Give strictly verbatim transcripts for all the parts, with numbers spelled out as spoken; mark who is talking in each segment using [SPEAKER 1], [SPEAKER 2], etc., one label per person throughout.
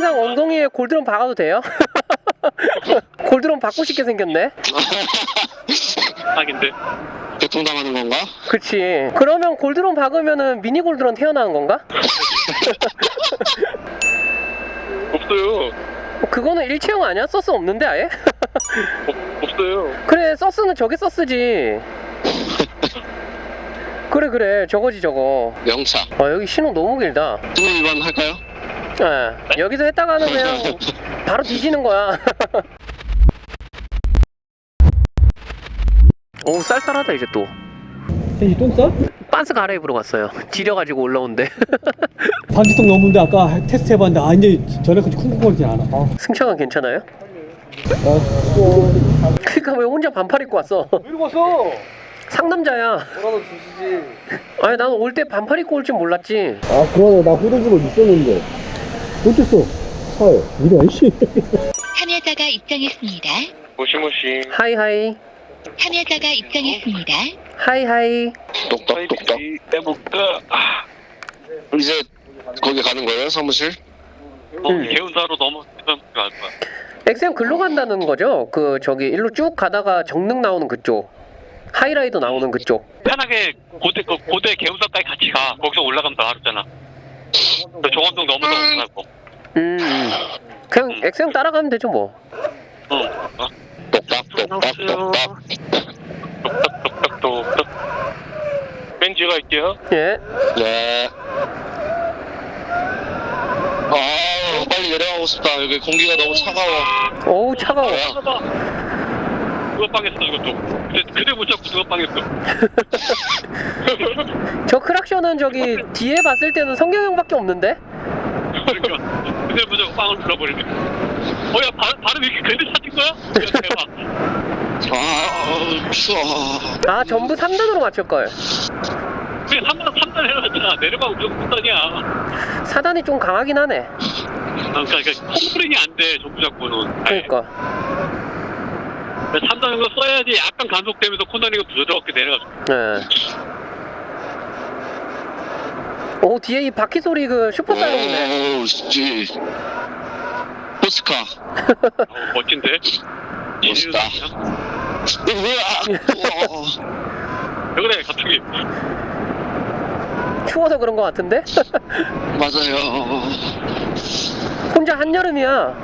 [SPEAKER 1] 텐상 엉덩이에 골드론 박아도 돼요? 골드론 받고 싶게 생겼네.
[SPEAKER 2] 하긴데.
[SPEAKER 3] 교통당하는 건가?
[SPEAKER 1] 그치. 그러면 골드론 박으면은 미니 골드론 태어나는 건가?
[SPEAKER 2] 없어요.
[SPEAKER 1] 그거는 일체형 아니야? 서스 없는데 아예?
[SPEAKER 2] 없, 없어요.
[SPEAKER 1] 그래, 서스는 저게 서스지. 그래 그래, 저거지 저거.
[SPEAKER 3] 명차.
[SPEAKER 1] 아, 여기 신호 너무 길다.
[SPEAKER 3] 신호 위반 할까요?
[SPEAKER 1] 예, 여기서 했다가는 그냥 바로 뒤지는 거야. 오, 쌀쌀하다 이제 또.
[SPEAKER 4] 이 똥 싸?
[SPEAKER 1] 빤스 갈아입으러 갔어요. 지려가지고 올라온대.
[SPEAKER 4] 반지통 넘는데 아까 테스트 해봤는데 아 이제 전에까지 쿵쿵거리지 않아. 아.
[SPEAKER 1] 승차감 괜찮아요?
[SPEAKER 4] 어, 추워.
[SPEAKER 1] 그니까 왜 혼자 반팔 입고 왔어?
[SPEAKER 4] 왜 이러고 왔어?
[SPEAKER 1] 상남자야.
[SPEAKER 4] 뭐라도 주시지.
[SPEAKER 1] 아니 난 올 때 반팔 입고 올 줄 몰랐지.
[SPEAKER 4] 아 그러네, 나 후드집을 있었는데 어땠어? 차에 이래 아이씨.
[SPEAKER 5] 참여자가 입장했습니다.
[SPEAKER 2] 모시모시.
[SPEAKER 1] 하이하이.
[SPEAKER 5] 참여자가 입장했습니다.
[SPEAKER 1] 하이하이.
[SPEAKER 3] 똑똑똑똑.
[SPEAKER 2] 해볼까? 아,
[SPEAKER 3] 이제 거기 가는 거예요? 사무실?
[SPEAKER 2] 어,
[SPEAKER 1] 음.
[SPEAKER 2] 개운사로 넘어가면 갈 거야.
[SPEAKER 1] 엑스엠 글로 간다는 거죠? 그 저기 일로 쭉 가다가 정릉 나오는 그쪽, 하이라이더 나오는 그쪽.
[SPEAKER 2] 편하게 고대 그 고대 개운사까지 같이 가. 거기서 올라가면 다 하잖아. 종암동 넘어서 가고.
[SPEAKER 1] 음, 음. 그냥 엑스엠 따라가면 되죠 뭐.
[SPEAKER 2] 응. 어.
[SPEAKER 3] 똑딱똑딱똑딱.
[SPEAKER 2] 똑똑똑똑똑. 벤지 갈게요.
[SPEAKER 1] 예.
[SPEAKER 3] 네. 아, 빨리 내려가고 싶다. 여기 공기가 너무 차가워.
[SPEAKER 1] 어우 차가워.
[SPEAKER 2] 누가 빵했어 이것도. 그대, 그대 못 잡고 누가 빵했어.
[SPEAKER 1] 저 크락션은 저기 뒤에 봤을 때는 성경형밖에 없는데?
[SPEAKER 2] 그러니까 그대 못 잡고 빵을 불러버리네. 어야 발음 이렇게 그대 찾은 거야? 야, 대박.
[SPEAKER 3] 아, 추워.
[SPEAKER 1] 아 전부 삼 단으로 맞출걸.
[SPEAKER 2] 그게 삼 단 삼 단 해놨잖아. 내려가고 무조건 삼 단이야.
[SPEAKER 1] 사 단이 좀 강하긴 하네.
[SPEAKER 2] 아, 그러니까 콤프링이 안 돼. 전부 잡고는.
[SPEAKER 1] 그러니까.
[SPEAKER 2] 삼 단 정도 써야지 약간 간속되면서 코너링이 부드럽게 내려가죠.
[SPEAKER 1] 예. 오 뒤에 이 바퀴 소리 그 슈퍼 사이렌이네.
[SPEAKER 3] 오우, 씨. 포스카.
[SPEAKER 2] 어, 멋진데?
[SPEAKER 3] 멋있다. 으아! 우와.
[SPEAKER 2] 왜 그래 갑자기.
[SPEAKER 1] 추워서 그런 거 같은데?
[SPEAKER 3] 맞아요.
[SPEAKER 1] 혼자 한여름이야.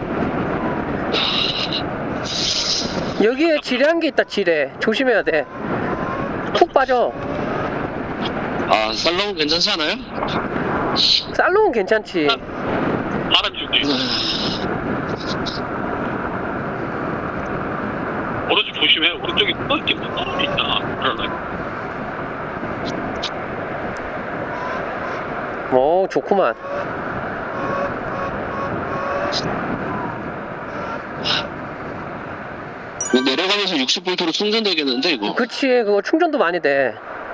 [SPEAKER 1] 여기에 지뢰한 게 있다. 지뢰 조심해야 돼. 푹 빠져.
[SPEAKER 3] 아, 살롱 괜찮지 않아요?
[SPEAKER 1] 살롱은 괜찮지.
[SPEAKER 2] 바람 주기. 오른쪽 조심해. 오른쪽에 떨어지 떨어져 있잖아. 그러네.
[SPEAKER 1] 오 좋구만.
[SPEAKER 3] 내려가면서 육십 볼트로 충전되겠는데 이거?
[SPEAKER 1] 그치 그거 충전도 많이 돼.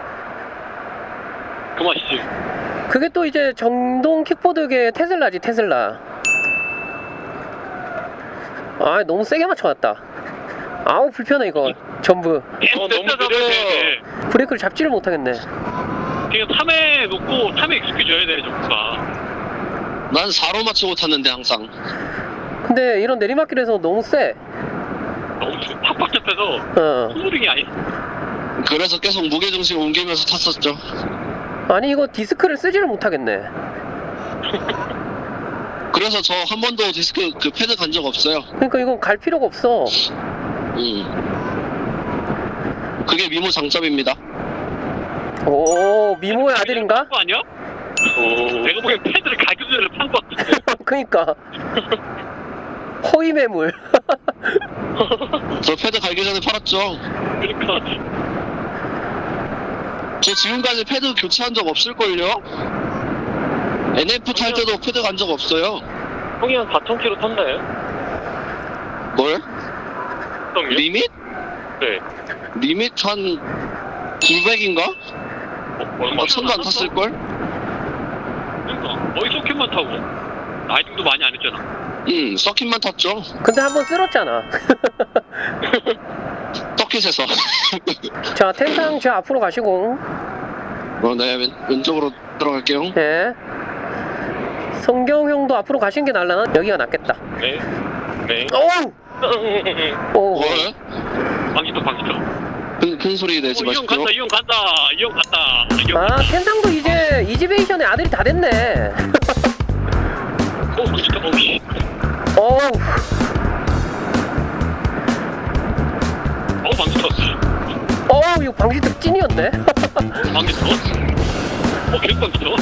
[SPEAKER 2] 그 맛이지.
[SPEAKER 1] 그게 또 이제 전동 킥보드계 테슬라지 테슬라. 아 너무 세게 맞춰놨다. 아우 불편해 이거 전부.
[SPEAKER 2] 어, 너무 느려.
[SPEAKER 1] 브레이크를 잡지를 못하겠네.
[SPEAKER 2] 그냥 탐에 놓고 탐에 익숙해 줘야 돼 전부가.
[SPEAKER 3] 난 사로 맞추고 탔는데 항상.
[SPEAKER 1] 근데 이런 내리막길에서 너무 세.
[SPEAKER 2] 너무 팍팍 잡혀서
[SPEAKER 1] 어.
[SPEAKER 2] 콧물이 아니.
[SPEAKER 3] 그래서 계속 무게중심 옮기면서 탔었죠.
[SPEAKER 1] 아니 이거 디스크를 쓰지를 못하겠네.
[SPEAKER 3] 그래서 저 한 번도 디스크 그 패드 간 적 없어요.
[SPEAKER 1] 그러니까 이건 갈 필요가 없어.
[SPEAKER 3] 음. 그게 미모 장점입니다.
[SPEAKER 1] 오 미모의 아들인가?
[SPEAKER 2] 거 아니야? 오. 내가 보기엔 패드를 가격 전에 판거 같은데.
[SPEAKER 1] 그니까 허위 매물.
[SPEAKER 3] 저 패드 갈기 전에 팔았죠.
[SPEAKER 2] 그러니까.
[SPEAKER 3] 저 지금까지 패드 교체한 적 없을걸요? 엔에프 탈 때도 패드 간 적 없어요.
[SPEAKER 2] 형이 한 사천 킬로 탔나요?
[SPEAKER 3] 뭘?
[SPEAKER 2] 형이요?
[SPEAKER 3] 리밋?
[SPEAKER 2] 네.
[SPEAKER 3] 리밋 한 구백인가?
[SPEAKER 2] 어, 얼마
[SPEAKER 3] 아, 천도 안 탔을걸?
[SPEAKER 2] 그러니까 거의 소켓만 타고 라이딩도 많이 안 했잖아.
[SPEAKER 3] 응, 서킷만 탔죠.
[SPEAKER 1] 근데 한번 쓸었잖아.
[SPEAKER 3] 서킷에서.
[SPEAKER 1] 자 텐상 저 앞으로 가시고.
[SPEAKER 3] 어, 네, 왼, 왼쪽으로 들어갈게요.
[SPEAKER 1] 예. 성경 형도 앞으로 가시는 게 날라나? 여기가 낫겠다.
[SPEAKER 2] 네. 네.
[SPEAKER 1] 어우! 오.
[SPEAKER 3] 뭐야?
[SPEAKER 2] 방지턱 방지턱.
[SPEAKER 3] 큰, 큰 소리 내지
[SPEAKER 2] 어, 이형
[SPEAKER 3] 마십시오.
[SPEAKER 2] 간다 이형 간다 이형 간다. 이형
[SPEAKER 1] 아, 텐상도 이제 이지베이션의 아들이 다 됐네.
[SPEAKER 2] 오 방지턱 오씨.
[SPEAKER 1] 어우.
[SPEAKER 2] 어 방지턱.
[SPEAKER 1] 어우, 이거 방지턱 찐이었네.
[SPEAKER 2] 방지턱. 어 계속 방지턱.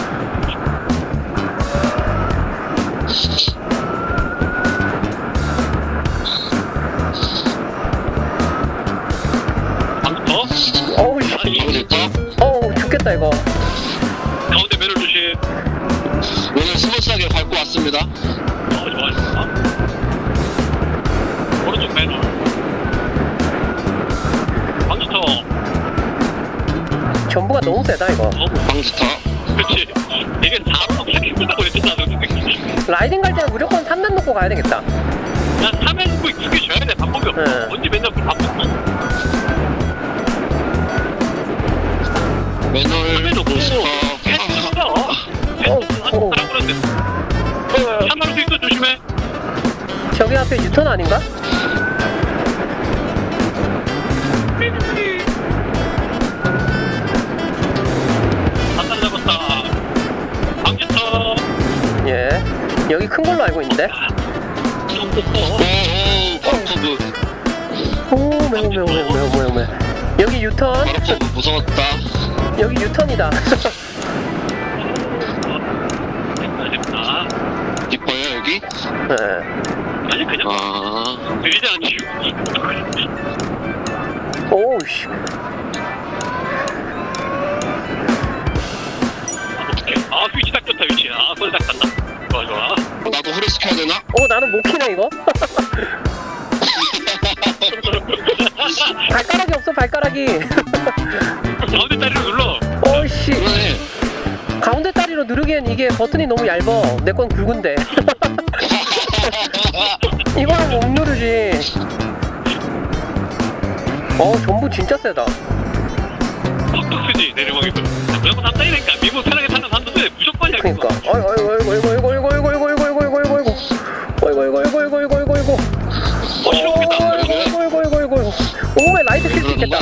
[SPEAKER 2] 방지턱.
[SPEAKER 1] 어우, 씨.
[SPEAKER 2] 아니
[SPEAKER 3] 방지턱?
[SPEAKER 1] 어우, 죽겠다, 이거.
[SPEAKER 2] 가운데 매를 조심.
[SPEAKER 3] 오늘 스무스하게 밟고 왔습니다.
[SPEAKER 2] 어 좋아요. 오른쪽 매를. 방지턱.
[SPEAKER 1] 전부가 너무 세다, 이거.
[SPEAKER 2] 어
[SPEAKER 3] 방지턱.
[SPEAKER 2] 그렇지. 이게 사로 그렇게 힘들다고 했잖아.
[SPEAKER 1] 라이딩 갈 때는 무조건 삼 단 놓고 가야 되겠다.
[SPEAKER 2] 난 삼 회 구 두개 줘야 돼. 방법이 없어.
[SPEAKER 1] 네.
[SPEAKER 2] 언제 맨날 그 바쁘고.
[SPEAKER 3] 매놀
[SPEAKER 2] 놓고
[SPEAKER 3] 부스터.
[SPEAKER 1] 어, 어.
[SPEAKER 2] 사람 그런데. 차 나올 수 있어. 조심해.
[SPEAKER 1] 저기 앞에 유턴 아닌가?
[SPEAKER 2] 아까 잡았다. 방지턱.
[SPEAKER 1] 예. 여기 큰 걸로 알고 있는데.
[SPEAKER 2] 정복터.
[SPEAKER 3] 오오 바로퍼브.
[SPEAKER 1] 오, 매우, 매우, 매우, 매우, 매우, 매우. 여기 유턴.
[SPEAKER 3] 바로퍼브 무서웠다.
[SPEAKER 1] 여기 유턴이다.
[SPEAKER 2] 됐다 됐다.
[SPEAKER 3] 깊어요 여기?
[SPEAKER 1] 예.
[SPEAKER 2] 아니 그냥
[SPEAKER 3] 아
[SPEAKER 2] 느리지 않지.
[SPEAKER 1] 오우, 씨.
[SPEAKER 2] 어떡해. 아 위치 딱 좋다 위치. 아 소리 딱 간다. 좋아 좋아.
[SPEAKER 3] 나도 허리 시켜야 되나?
[SPEAKER 1] 어, 나는 못 키네, 이거? 발가락이 없어, 발가락이.
[SPEAKER 2] 가운데 다리로 눌러.
[SPEAKER 1] 어이씨.
[SPEAKER 3] 그러네.
[SPEAKER 1] 가운데 다리로 누르기엔 이게 버튼이 너무 얇어. 내 건 굵은데. 이거는 못 누르지. 어, 전부 진짜 세다.
[SPEAKER 2] 팍팍 쓰지 내리막에도. 무조건 산다니까. 미국 편하게 타는 산도인데 무조건이야.
[SPEAKER 1] 그니까.
[SPEAKER 2] 그거.
[SPEAKER 1] 어이구, 어이구, 어이구, 어이구, 어이구, 어이구, 어이구, 어이구, 어이구, 어이구, 어이구, 어이구. 어이구, 어이구, 어이구, 어이구, 어이구, 어이구, 어이구.
[SPEAKER 2] 어 실험이다.
[SPEAKER 1] 어이구, 어이구, 어이구, 어이구, 어이구, 어이구. 오메 라이트 킬 수 있겠다.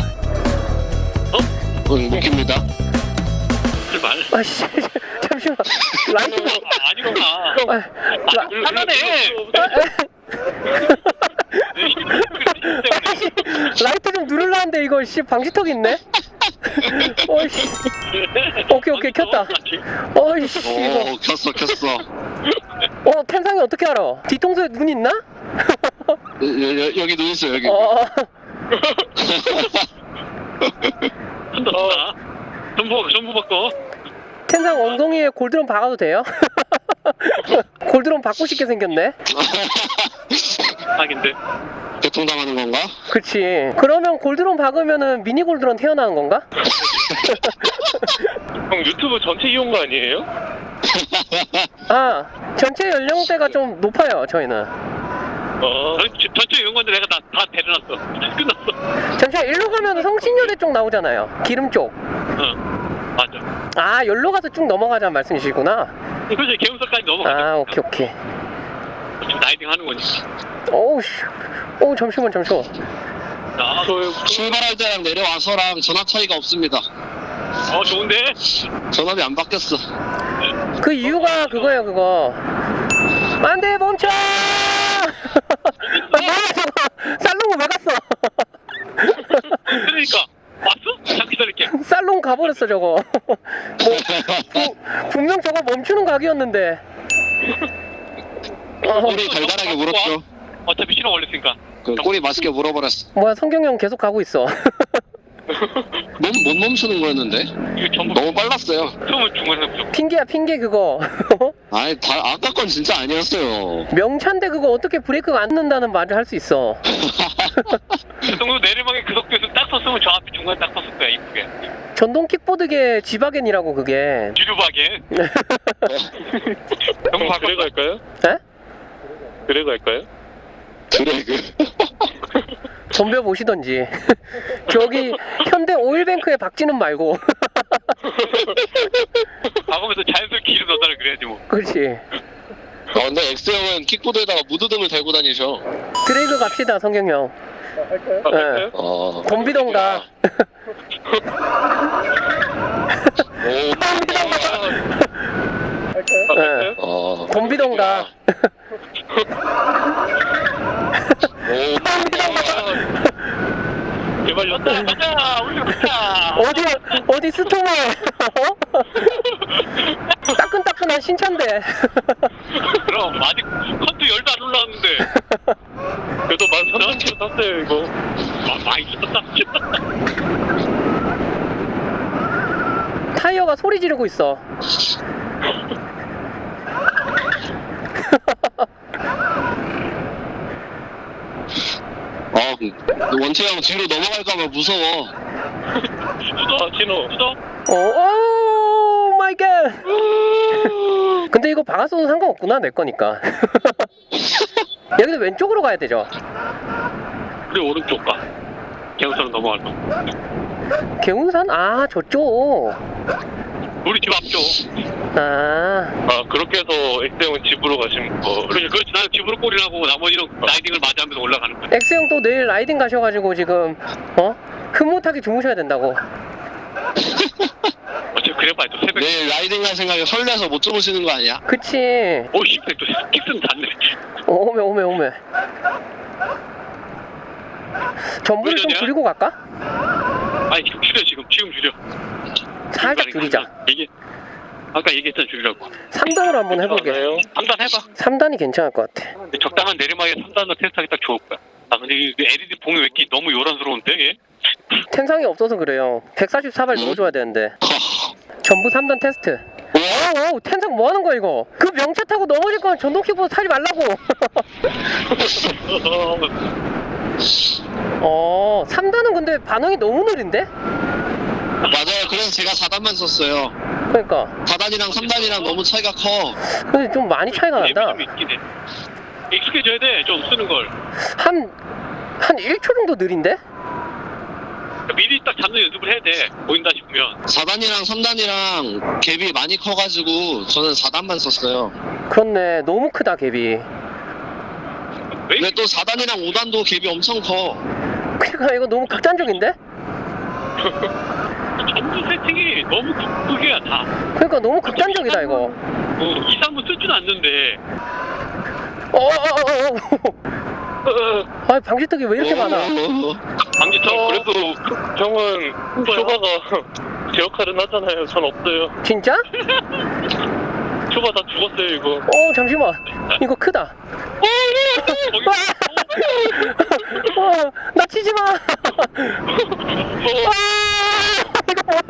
[SPEAKER 3] 응 느낍니다.
[SPEAKER 2] 출발.
[SPEAKER 1] 아씨, 잠시만. 라이트.
[SPEAKER 2] 아, 아니구나.
[SPEAKER 1] 아, 라,
[SPEAKER 2] 하나네.
[SPEAKER 1] 아씨, 라이트 좀 누르려는데 이거 씨 방지턱 있네. 어이씨. 오케이 오케이 켰다. 어이씨 이거.
[SPEAKER 3] 오 켰어 켰어.
[SPEAKER 1] 어 텐상이 어떻게 알아? 뒤통수에 눈 있나?
[SPEAKER 3] 여, 여, 여기 눈 있어 여기.
[SPEAKER 1] 어.
[SPEAKER 2] 한다 한다. 전부 전부 바꿔.
[SPEAKER 1] 텐상 엉덩이에 골드론 박아도 돼요? 골드론 받고 싶게 생겼네.
[SPEAKER 2] 하긴데.
[SPEAKER 3] 교통당하는 건가?
[SPEAKER 1] 그치. 그러면 골드론 박으면은 미니 골드론 태어나는 건가?
[SPEAKER 2] 형 유튜브 전체 이용거 아니에요?
[SPEAKER 1] 아 전체 연령대가 좀 높아요 저희는.
[SPEAKER 2] 어. 전, 전체 이용 건데 내가 다, 다 데려놨어. 끝났어.
[SPEAKER 1] 잠시만 일로 가면 성신여대 쪽 나오잖아요. 기름 쪽.
[SPEAKER 2] 응. 맞아.
[SPEAKER 1] 아 여기로 가서 쭉 넘어가자는 말씀이시구나.
[SPEAKER 2] 그렇지 개운서까지 넘어가자.
[SPEAKER 1] 아 오케이 오케이.
[SPEAKER 2] 지금 라이딩 하는 거니.
[SPEAKER 1] 어우 씨. 어 잠시만 잠시만.
[SPEAKER 2] 자,
[SPEAKER 3] 출발할 때랑 내려와서랑 전압 차이가 없습니다.
[SPEAKER 2] 어 좋은데?
[SPEAKER 3] 전압이 안 바뀌었어.
[SPEAKER 1] 그 이유가 그거예요 그거. 안돼 멈춰. 뭐야 저거. 살롱 왜 갔어?
[SPEAKER 2] 그러니까 왔어? 잠깐 기다릴게.
[SPEAKER 1] 살롱 가버렸어 저거. 뭐 부, 분명 저거 멈추는 각이었는데. 어,
[SPEAKER 3] 꼬리 달달하게 물었죠.
[SPEAKER 2] 어차피 신호 올렸으니까.
[SPEAKER 3] 그 꼬리 맛있게 물어버렸어.
[SPEAKER 1] 뭐야 성경형 계속 가고 있어.
[SPEAKER 3] 못, 못 멈추는 거였는데?
[SPEAKER 2] 이거 전부
[SPEAKER 3] 너무 빨랐어요.
[SPEAKER 2] 처음은 중간에 무조건.
[SPEAKER 1] 핑계야 핑계 그거.
[SPEAKER 3] 아니 다, 아까 건 진짜 아니었어요.
[SPEAKER 1] 명차인데 그거 어떻게 브레이크가 안 넣는다는 말을 할 수 있어.
[SPEAKER 2] 그 정도 내리막에 그 속도에서 딱 섰으면 저 앞에 중간에 딱 섰을 거야 이쁘게.
[SPEAKER 1] 전동 킥보드계 지바겐이라고 그게.
[SPEAKER 2] 뒤로박에. 형 그래 갈까요?
[SPEAKER 1] 에?
[SPEAKER 2] 그래 갈까요?
[SPEAKER 3] 드래그.
[SPEAKER 1] 덤벼 보시던지. 저기 현대 오일뱅크에 박지는 말고.
[SPEAKER 2] 박으면서 자연스럽게 기름 넣어달라 그래야지 뭐.
[SPEAKER 1] 그렇지.
[SPEAKER 3] 아, 근데 엑스형은 킥보드에다가 무드등을 대고 다니셔.
[SPEAKER 1] 드래그 갑시다, 성경 형. 네.
[SPEAKER 3] 어.
[SPEAKER 1] 덤비던가.
[SPEAKER 3] 오.
[SPEAKER 1] 네.
[SPEAKER 3] 어.
[SPEAKER 1] 덤비던가.
[SPEAKER 3] 오.
[SPEAKER 2] 제발 연다 가자 우리 가자.
[SPEAKER 1] 어디, 어디 스토머. 따끈따끈한 신차인데.
[SPEAKER 2] 그럼 아직 컨트 열도 안 올라왔는데. 그래도 만 삼천 킬로 탔어요 이거. 마, 많이 탔다.
[SPEAKER 1] 타이어가 소리 지르고 있어.
[SPEAKER 3] 어, 원태형 뒤로 넘어갈까봐 무서워.
[SPEAKER 2] 수도 진호 수도.
[SPEAKER 1] 오, 오 마이 갓. 근데 이거 박았어도 상관없구나, 내 거니까. 여기서 왼쪽으로 가야 되죠?
[SPEAKER 2] 우리 오른쪽 가. 개우선으로 넘어갈 거.
[SPEAKER 1] 개운산? 아, 저쪽.
[SPEAKER 2] 우리 집 앞쪽.
[SPEAKER 1] 아,
[SPEAKER 2] 아 그렇게 해서 엑스형은 집으로 가시면 거. 그렇지 그렇지 나는 집으로 꼴이라고 나머지는 라이딩을 마주하면서 올라가는 거야.
[SPEAKER 1] 엑스형 또 내일 라이딩 가셔가지고 지금, 어? 흐뭇하게 주무셔야 된다고.
[SPEAKER 2] 어차피 그래 봐야 또 새벽.
[SPEAKER 3] 내일 라이딩 갈 생각에 설레서 못 주무시는 거 아니야?
[SPEAKER 1] 그치.
[SPEAKER 2] 오씨 또 킥슨 닿네.
[SPEAKER 1] 오메, 오메, 오메. 전부를 좀
[SPEAKER 2] 왜 저냐?
[SPEAKER 1] 줄이고 갈까?
[SPEAKER 2] 아니 지금 줄여 지금 지금 줄여.
[SPEAKER 1] 살짝 줄이자.
[SPEAKER 2] 얘기 아까 얘기했던 줄이라고.
[SPEAKER 1] 삼 단으로 한번 해볼게.
[SPEAKER 2] 삼 단 해봐.
[SPEAKER 1] 삼 단이 괜찮을 것 같아.
[SPEAKER 2] 적당한 내리막에 삼 단으로 테스트하기 딱 좋을 거야. 아 근데 이 엘이디 봉이 왜 이렇게 너무 요란스러운데 얘?
[SPEAKER 1] 텐상이 없어서 그래요. 백사십사 발 넣어줘야 되는데. 전부 삼 단 테스트. 오, 오, 텐상 뭐 하는 거야 이거? 그 명차 타고 넘어질 거면 전동 킥보드 타지 말라고. 어, 삼 단은 근데 반응이 너무 느린데?
[SPEAKER 3] 맞아요. 그래서 제가 사 단만 썼어요.
[SPEAKER 1] 그러니까.
[SPEAKER 3] 사 단이랑 삼 단이랑 너무 차이가 커.
[SPEAKER 1] 근데 좀 많이 차이가 난다.
[SPEAKER 2] 좀 있긴 해. 익숙해져야 돼 좀 쓰는 걸.
[SPEAKER 1] 한, 한 일 초 정도 느린데?
[SPEAKER 2] 미리 딱 잡는 연습을 해야 돼. 보인다 싶으면.
[SPEAKER 3] 사 단이랑 삼 단이랑 갭이 많이 커가지고 저는 사 단만 썼어요.
[SPEAKER 1] 그렇네. 너무 크다, 갭이.
[SPEAKER 2] 왜
[SPEAKER 3] 근데 또 사 단이랑 오 단도 갭이 엄청 커.
[SPEAKER 1] 그러니까 이거 너무 극단적인데?
[SPEAKER 2] 전부 세팅이 너무 극이야 다.
[SPEAKER 1] 그러니까 너무 극단적이다, 이거.
[SPEAKER 2] 어, 이, 삼 분 쓸 줄 않는데.
[SPEAKER 1] 어어어어. 아, 방지턱이 왜 이렇게 많아?
[SPEAKER 2] 방지턱 그래도 형은 초바가 제 역할은 하잖아요. 전 없어요.
[SPEAKER 1] 진짜?
[SPEAKER 2] 초바 다 죽었어요 이거.
[SPEAKER 1] 어, 잠시만. 이거 크다.
[SPEAKER 2] 거기
[SPEAKER 1] 어, 나 치지 마.
[SPEAKER 2] 어,
[SPEAKER 1] 아, 이거 뭐야?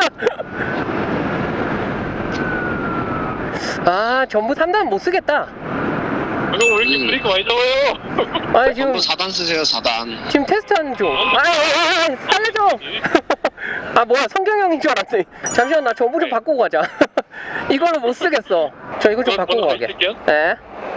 [SPEAKER 1] 아, 전부 삼 단 못 쓰겠다.
[SPEAKER 2] 형 왜 이렇게
[SPEAKER 3] 음.
[SPEAKER 2] 브레이크 많이 잡아요?
[SPEAKER 1] 아니, 지금,
[SPEAKER 3] 전부 사 단 쓰세요, 사 단.
[SPEAKER 1] 지금 테스트하는 중. 아, 아, 아, 살려줘. 아, 뭐야, 성경 형인 줄 알았네. 잠시만, 나 전부 좀 바꾸고 가자. 이거는 못 쓰겠어. 저 이거 좀
[SPEAKER 2] 저-
[SPEAKER 1] 바꾸고
[SPEAKER 2] 저도
[SPEAKER 1] 가게.
[SPEAKER 2] 있을게요.
[SPEAKER 1] 네.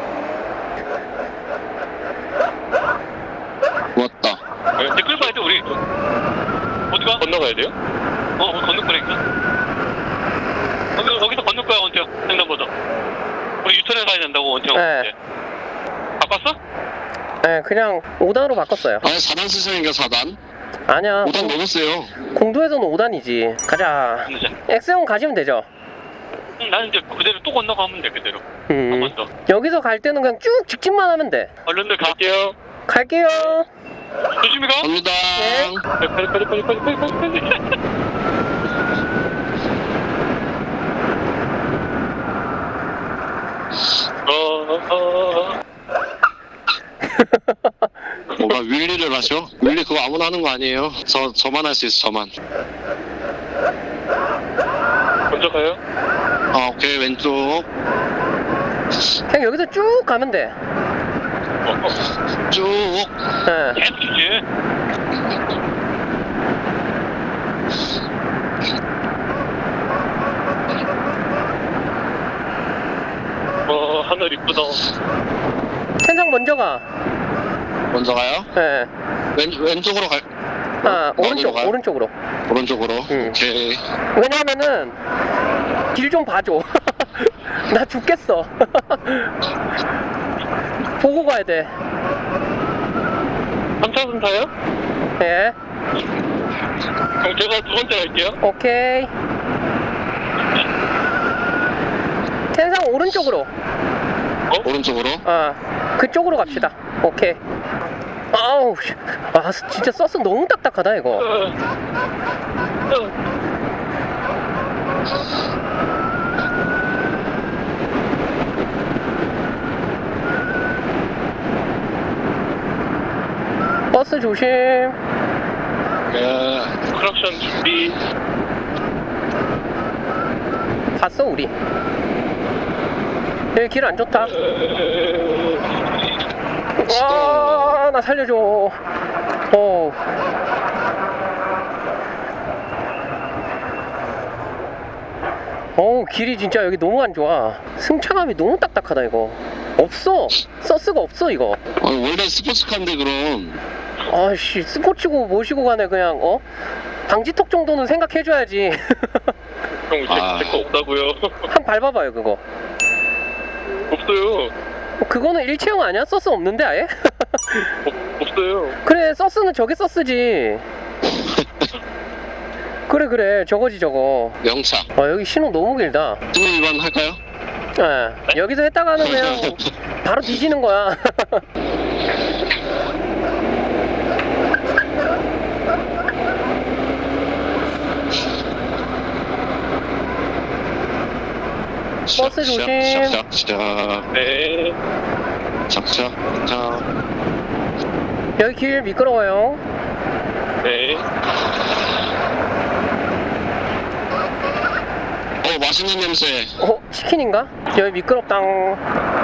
[SPEAKER 3] 고맙다.
[SPEAKER 2] 네, 끌고 가야 돼 우리. 어디가? 건너가야 돼요? 어, 우리 건널 거니까. 건너, 거기서 건널 거야 원태형. 횡단보도. 우리 유턴해 가야 된다고 원태형.
[SPEAKER 1] 네.
[SPEAKER 2] 바꿨어?
[SPEAKER 1] 네, 그냥 오 단으로 바꿨어요.
[SPEAKER 3] 아니, 사 단 쓰시니까 사 단?
[SPEAKER 1] 아니야.
[SPEAKER 3] 오 단 너무 세요.
[SPEAKER 1] 공도에서는 오 단이지. 가자.
[SPEAKER 2] 건너자.
[SPEAKER 1] X형 가시면 되죠.
[SPEAKER 2] 응, 나는 이제 그대로 또 건너가면 돼 그대로. 한
[SPEAKER 1] 음.
[SPEAKER 2] 번 더.
[SPEAKER 1] 여기서 갈 때는 그냥 쭉 직진만 하면 돼.
[SPEAKER 2] 얼른들 갈게요.
[SPEAKER 1] 갈게요.
[SPEAKER 2] 조심히 가.
[SPEAKER 3] 갑니다.
[SPEAKER 1] 네.
[SPEAKER 2] 빨리 빨리 빨리 빨리 빨리 빨리 빨리. 어, 어.
[SPEAKER 3] 뭐가 윌리를 하셔? 윌리 그거 아무나 하는 거 아니에요. 저, 저만 할 수 있어, 저만.
[SPEAKER 2] 먼저 가요.
[SPEAKER 3] 아, 오케이, 왼쪽.
[SPEAKER 1] 그냥 여기서 쭉 가면 돼.
[SPEAKER 2] 어, 어.
[SPEAKER 3] 쭉.
[SPEAKER 1] 네.
[SPEAKER 2] 계속 주지. 어, 하늘 이쁘다.
[SPEAKER 1] 텐상 먼저 가.
[SPEAKER 3] 먼저 가요?
[SPEAKER 1] 네.
[SPEAKER 3] 왼, 왼쪽으로 갈,
[SPEAKER 1] 아,
[SPEAKER 3] 어디로
[SPEAKER 1] 오른쪽,
[SPEAKER 3] 가요?
[SPEAKER 1] 오른쪽으로.
[SPEAKER 3] 오른쪽으로.
[SPEAKER 1] 응.
[SPEAKER 3] 오케이.
[SPEAKER 1] 왜냐면은 길 좀 봐줘. 나 죽겠어. 보고 가야 돼.
[SPEAKER 2] 삼 차선 타요?
[SPEAKER 1] 예.
[SPEAKER 2] 그럼 제가 두 번째 갈게요.
[SPEAKER 1] 오케이. 텐상 오른쪽으로.
[SPEAKER 3] 어? 오른쪽으로?
[SPEAKER 1] 아, 그쪽으로 갑시다. 오케이. 아우, 씨. 아, 진짜 서스 너무 딱딱하다, 이거.
[SPEAKER 2] 어. 어.
[SPEAKER 1] 버스 조심.
[SPEAKER 3] 예.
[SPEAKER 2] 크락션 준비.
[SPEAKER 1] 봤어, 우리. 여기 길 안 좋다. 아, 나 살려줘. 어. 어우, 길이 진짜 여기 너무 안 좋아. 승차감이 너무 딱딱하다, 이거. 없어. 서스가 없어, 이거.
[SPEAKER 3] 아, 원래 스포츠카인데 그럼.
[SPEAKER 1] 아씨, 스포츠고 모시고 가네, 그냥, 어? 방지턱 정도는 생각해줘야지.
[SPEAKER 2] 형, 제,
[SPEAKER 3] 아.
[SPEAKER 2] 제거 없다고요.
[SPEAKER 1] 한 밟아봐요, 그거.
[SPEAKER 2] 없어요.
[SPEAKER 1] 어, 그거는 일체형 아니야? 서스 없는데, 아예?
[SPEAKER 2] 없, 없어요.
[SPEAKER 1] 그래, 서스는 저게 서스지. 그래, 그래, 저거지, 저거.
[SPEAKER 3] 영차.
[SPEAKER 1] 아, 여기 신호 너무 길다.
[SPEAKER 3] 신호 위반 할까요?
[SPEAKER 1] 예, 여기서 했다가는 그냥 바로 뒤지는 거야. 버스 조심.
[SPEAKER 3] 시작, 시작,
[SPEAKER 2] 네.
[SPEAKER 3] 시작, 시작, 시작.
[SPEAKER 1] 여기 길 미끄러워요.
[SPEAKER 2] 네.
[SPEAKER 3] 어, 맛있는 냄새.
[SPEAKER 1] 어, 치킨인가? 여기 미끄럽당.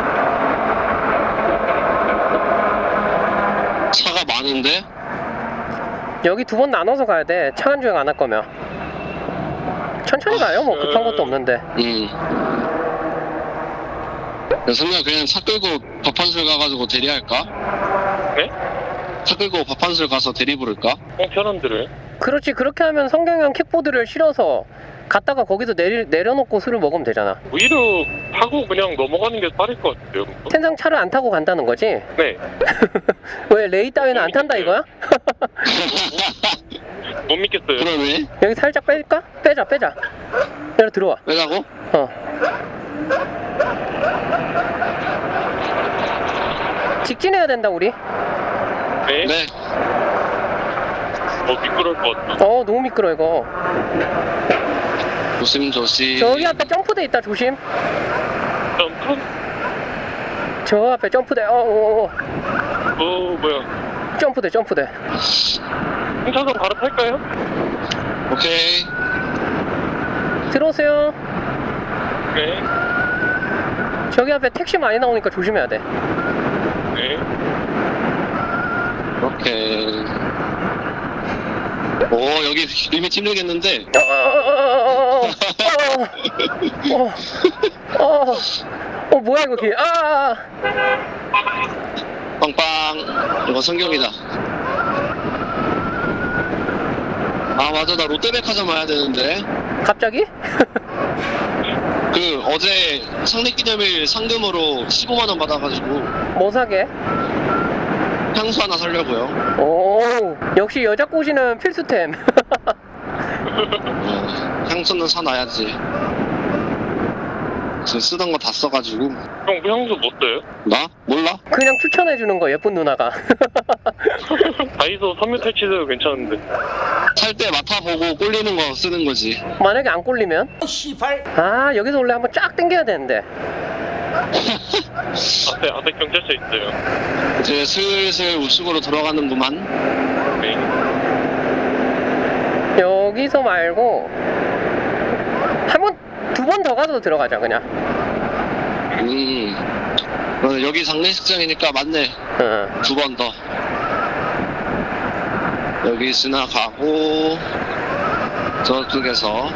[SPEAKER 3] 차가 많은데?
[SPEAKER 1] 여기 두 번 나눠서 가야 돼. 차간 주행 안 할 거면. 천천히 가요. 뭐 급한 것도 없는데.
[SPEAKER 3] 음. 성규야, 그냥 차 끌고 밥 한 술 가가지고 대리할까?
[SPEAKER 2] 네?
[SPEAKER 3] 차 끌고 밥 한 술 가서 대리 부를까?
[SPEAKER 2] 형 편한 대로요.
[SPEAKER 1] 그렇지. 그렇게 하면 성경형 킥보드를 실어서 갔다가 거기서 내리, 내려놓고 술을 먹으면 되잖아.
[SPEAKER 2] 오히려 타고 그냥 넘어가는 게 빠를 것 같아요.
[SPEAKER 1] 텐상 차를 안 타고 간다는 거지?
[SPEAKER 2] 네.
[SPEAKER 1] 왜 레이 따위는 안 탄다 이거야?
[SPEAKER 2] 못 믿겠어요.
[SPEAKER 3] 그러네?
[SPEAKER 1] 여기 살짝 뺄까? 빼자 빼자. 여기 들어와.
[SPEAKER 3] 왜라고?
[SPEAKER 1] 어. 직진해야 된다 우리.
[SPEAKER 2] 네.
[SPEAKER 3] 네.
[SPEAKER 2] 어, 미끄러울 것 같아.
[SPEAKER 1] 어 너무 미끄러 이거.
[SPEAKER 3] 조심조심.
[SPEAKER 1] 저기 앞에 점프대 있다 조심.
[SPEAKER 2] 점프?
[SPEAKER 1] 저 앞에 점프대. 어, 어, 어.
[SPEAKER 2] 어, 뭐야.
[SPEAKER 1] 점프대 점프대.
[SPEAKER 2] 승차선 바로 탈까요?
[SPEAKER 3] 오케이.
[SPEAKER 1] 들어오세요.
[SPEAKER 2] 네.
[SPEAKER 1] 저기 앞에 택시 많이 나오니까 조심해야 돼.
[SPEAKER 2] 네.
[SPEAKER 3] 오케이. 오, 여기 리밋 힘들겠는데?
[SPEAKER 1] 어, 어, 어, 어, 어, 어, 어, 어, 뭐야 이거 길? 아,
[SPEAKER 3] 빵빵. 이거 성경이다. 아, 맞아. 나 롯데백화점 와야 되는데.
[SPEAKER 1] 갑자기?
[SPEAKER 3] 그, 어제 상립기념일 상금으로 십오만 원 받아가지고
[SPEAKER 1] 뭐 사게?
[SPEAKER 3] 향수 하나 사려고요.
[SPEAKER 1] 오, 역시 여자 꼬시는 필수템.
[SPEAKER 3] 어, 향수는 사놔야지. 지금 쓰던 거 다 써가지고.
[SPEAKER 2] 형, 그 향수 못 써요?
[SPEAKER 3] 나? 몰라?
[SPEAKER 1] 그냥 추천해주는 거 예쁜 누나가.
[SPEAKER 2] 다이소 섬유 탈취도 괜찮은데.
[SPEAKER 3] 살 때 맡아보고 꼴리는 거 쓰는 거지.
[SPEAKER 1] 만약에 안 꼴리면? 아 여기서 원래 한번 쫙 당겨야 되는데.
[SPEAKER 2] 앞에, 앞에 경찰서 있어요.
[SPEAKER 3] 이제 슬슬 우측으로 들어가는구만.
[SPEAKER 2] 네.
[SPEAKER 1] 여기서 말고 한 번, 두 번 더 가서 들어가자 그냥.
[SPEAKER 3] 음. 어, 여기 장례식장이니까 맞네.
[SPEAKER 1] 응.
[SPEAKER 3] 두 번 더. 여기 지나가고 저쪽에서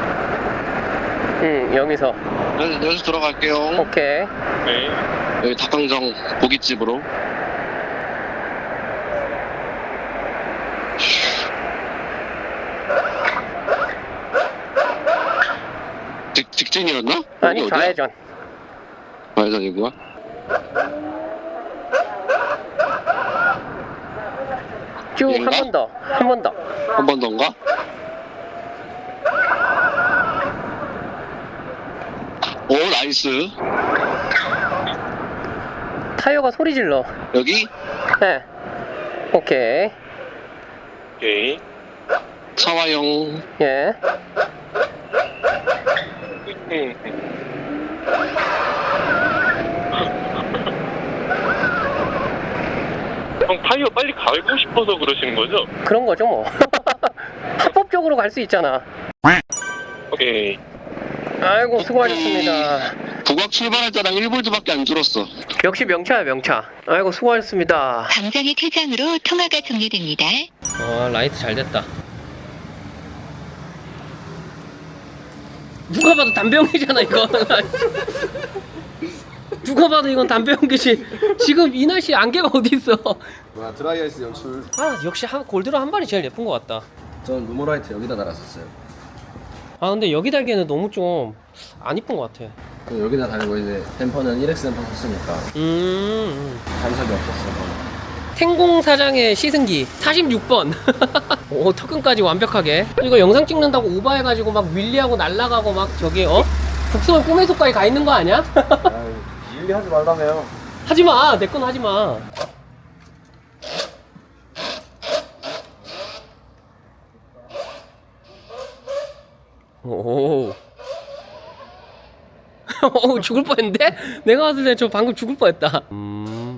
[SPEAKER 1] 응, 여기서.
[SPEAKER 3] 여기, 여기서 들어갈게요.
[SPEAKER 1] 오케이.
[SPEAKER 2] 네.
[SPEAKER 3] 여기 닭강정 고깃집으로. 직, 직진이었나?
[SPEAKER 1] 아니
[SPEAKER 3] 여기 어디야?
[SPEAKER 1] 좌회전.
[SPEAKER 3] 아니다 이거야?
[SPEAKER 1] 쭉 한
[SPEAKER 3] 얘인가?
[SPEAKER 1] 번 더, 한 번 더.
[SPEAKER 3] 한 번 더인가? 오 나이스.
[SPEAKER 1] 타이어가 소리 질러.
[SPEAKER 3] 여기
[SPEAKER 1] 네. 오케이.
[SPEAKER 2] 오케이.
[SPEAKER 3] 차와용.
[SPEAKER 1] 예.
[SPEAKER 2] 음. 형 타이어 빨리 갈고 싶어서 그러시는 거죠?
[SPEAKER 1] 그런 거죠 뭐. 합법적으로 갈 수 있잖아.
[SPEAKER 2] 오케이.
[SPEAKER 1] 아이고 수고하셨습니다.
[SPEAKER 3] 북악 출발할 때랑 일 볼트밖에 안 줄었어.
[SPEAKER 1] 역시 명차야 명차. 아이고 수고하셨습니다.
[SPEAKER 5] 광장의 퇴장으로 통화가 종료됩니다.
[SPEAKER 1] 아 라이트 잘 됐다. 누가 봐도 담배 연기잖아 이거. 누가 봐도 이건 담배 연기지. 지금 이 날씨에 안개가 어디 있어.
[SPEAKER 6] 와 드라이아이스 연출.
[SPEAKER 1] 아 역시 한, 골드로 한 발이 제일 예쁜 것 같다.
[SPEAKER 6] 전 루머라이트 여기다 달았었어요.
[SPEAKER 1] 아 근데 여기 달기에는 너무 좀 안 이쁜 것 같아.
[SPEAKER 6] 그 여기다 달고 이제 댐퍼는 일엑스 댐퍼 썼으니까
[SPEAKER 1] 음
[SPEAKER 6] 간섭이 없었어요.
[SPEAKER 1] 텐공 사장의 시승기 사십육 번. 오 터끈까지 완벽하게. 이거 영상 찍는다고 오버해가지고 막 윌리하고 날아가고 막 저기 어? 북서울 꿈의 숲까지 가 있는 거 아니야?
[SPEAKER 6] 일리 하지 말라며요.
[SPEAKER 1] 하지마 내 건 하지마. 오. 오 죽을 뻔했는데? 내가 봤을 때 저 방금 죽을 뻔했다. 음.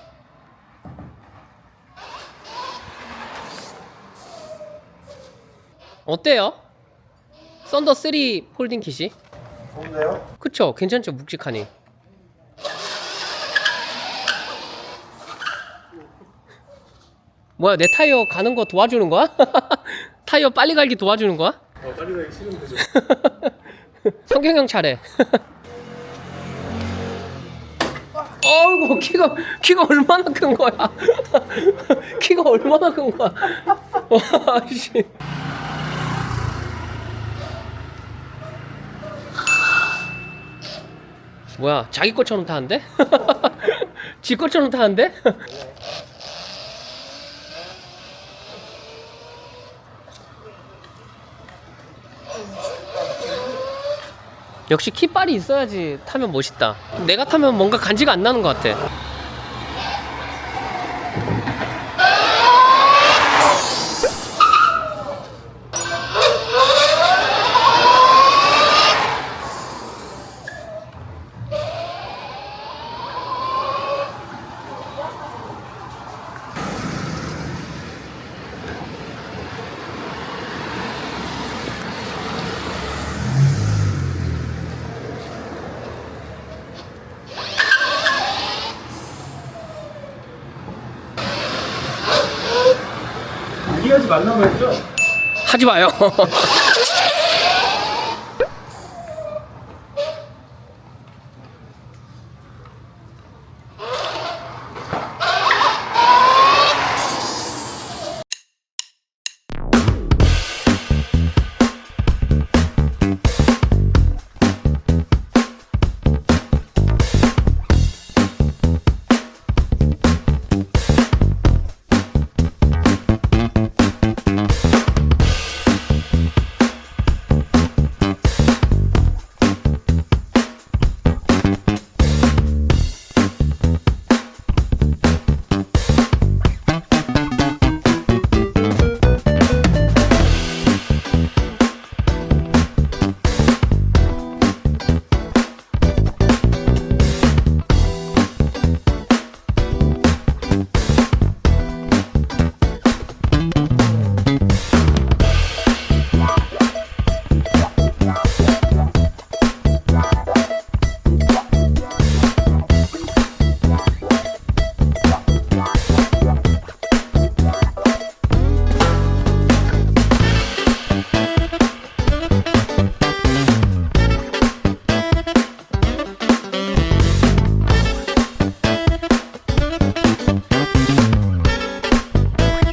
[SPEAKER 1] 어때요? 썬더 삼 폴딩 킷이?
[SPEAKER 6] 좋은데요?
[SPEAKER 1] 그쵸? 괜찮죠? 묵직하니. 뭐야 내 타이어 가는 거 도와주는 거야? 타이어 빨리 갈기 도와주는 거야?
[SPEAKER 4] 어, 빨리 가기 싫으면 되죠.
[SPEAKER 1] 성경형 차례. 어이구 키가 키가 얼마나 큰 거야? 키가 얼마나 큰 거야? 와 씨. 뭐야 자기 것처럼 타는데? 지 것처럼 타는데? 역시 키빨이 있어야지 타면 멋있다. 내가 타면 뭔가 간지가 안 나는 것 같아.
[SPEAKER 4] 이해하지 말라고 했죠?
[SPEAKER 1] 하지 마요.